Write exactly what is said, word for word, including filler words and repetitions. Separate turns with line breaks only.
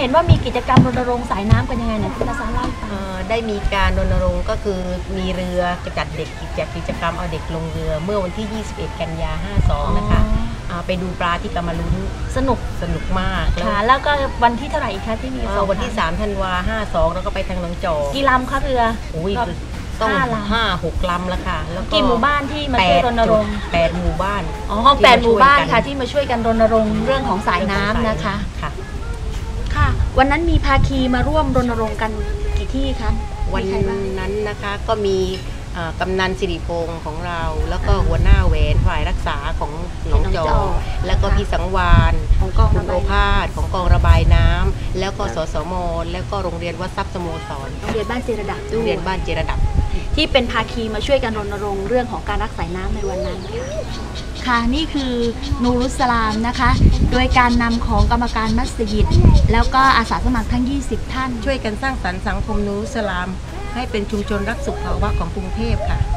ห็นว่ามีกิจกรรมรณรงค์สายน้ำกันยังไงเนี่ยคุณอาสาเล่าให้ฟัง
ได้มีการรณรงค์ก็คือมีเรือจัดเด็กกิจกิจกรรมเอาเด็กลงเรือเมื่อวันที่ยี่สิบเอ็ดกันยาห้าสองนะคะไปดูปลาที่กำมะลุ้น
สนุก
สนุกมาก
ค่ะแล้วก็วันที่เท่าไหร่อีกคะที่มี
วันที่สามธันวาห้าสองแล้วก็ไปทางหนองจอก
กี่ลำคะเรือ
อุ้ยต้องห้าหกลำแล้วค่ะแล้ว
กี่หมู่บ้านที่มาช่วยรณรงค์
แปดหมู่บ้าน
อ๋อแปดหมู่บ้านค่ะที่มาช่วยกันรณรงค์เรื่องของสายน้ำนะคะ
ค่ะ
ค่ะวันนั้นมีภาคีมาร่วมรณรงค์กันกี่ที่คะ
วันนั้นนะคะก็มีกำนันสิริพงศ์ของเราแล้วก็หัวหน้าแหวนฝ่ายรักษาของหนองจอกแล้วก็พี่สังวาน
ของกอง
ระบายน้ำของกองระบายน้ำแล้วก็สสมแล้วก็โรงเรียนวัดทรัพย์สโมสร
โรงเรียนบ้านเจรดับด้วย
โรงเรียนบ้านเจรดับ
ที่เป็นภาคีมาช่วยกันรณรงค์เรื่องของการรักษาน้ำในวันนั้นค่ะนี่คือนูรุสลามนะคะโดยการนำของกรรมการมัสยิดแล้วก็อาสาสมัครทั้งยี่สิบท่าน
ช่วยกันสร้างสรรค์สังคมนูรุสลามให้เป็นชุมชนรักสุขภาวะของกรุงเทพค่ะ